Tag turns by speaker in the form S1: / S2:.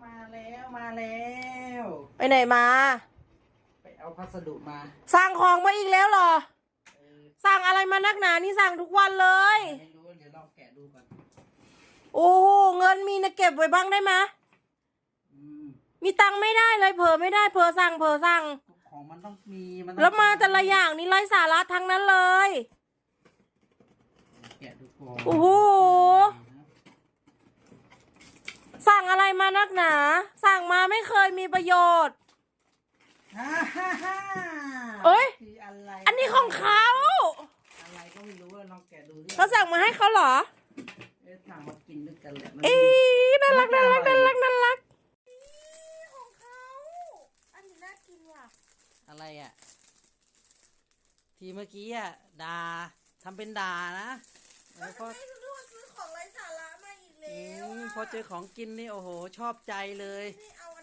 S1: มาแล้ว
S2: ไปไหนมา
S1: ไปเอาพัสดุมา
S2: สั่งของมาอีกแล้วเหรอสั่งอะไรมานักหนานี่สั่งทุกวันเลย
S1: ไม่รู้เดี๋ยวลองแกะดูก่อน
S2: โอ้เงินมีนะเก็บไว้บ้างได้ไหมมีตังค์ไม่ได้เลยเผลอไม่ได้เผลอสั่ง
S1: ของมันต้องมี
S2: แล้วมาแต่ละอย่างนี่ไร้สาระทั้งนั้นเลย
S1: แกะดูก่อน
S2: โอ้โหสั่งอะไรมานักหนาสั่งมาไม่เคยมีประโยชน์เอ้ยอันนี้ของเขา
S1: อะไรก็ไม่รู้ลองแกะดูดิ
S2: เขาสั่งมาให้เขาเหรอ
S1: สั่งมากินด้วยกันแหละ
S2: น่ารักของเขาอันนี้น่ากินว่ะ
S1: อะไรอ่ะทีเมื่อกี้อ่ะด่าทำเป็นด่านะ
S2: พอซื้อของไร้สาระมาอีกแล้ว
S1: พอเจอของกินนี่โอ้โหชอบใจเลย
S2: นี่เอา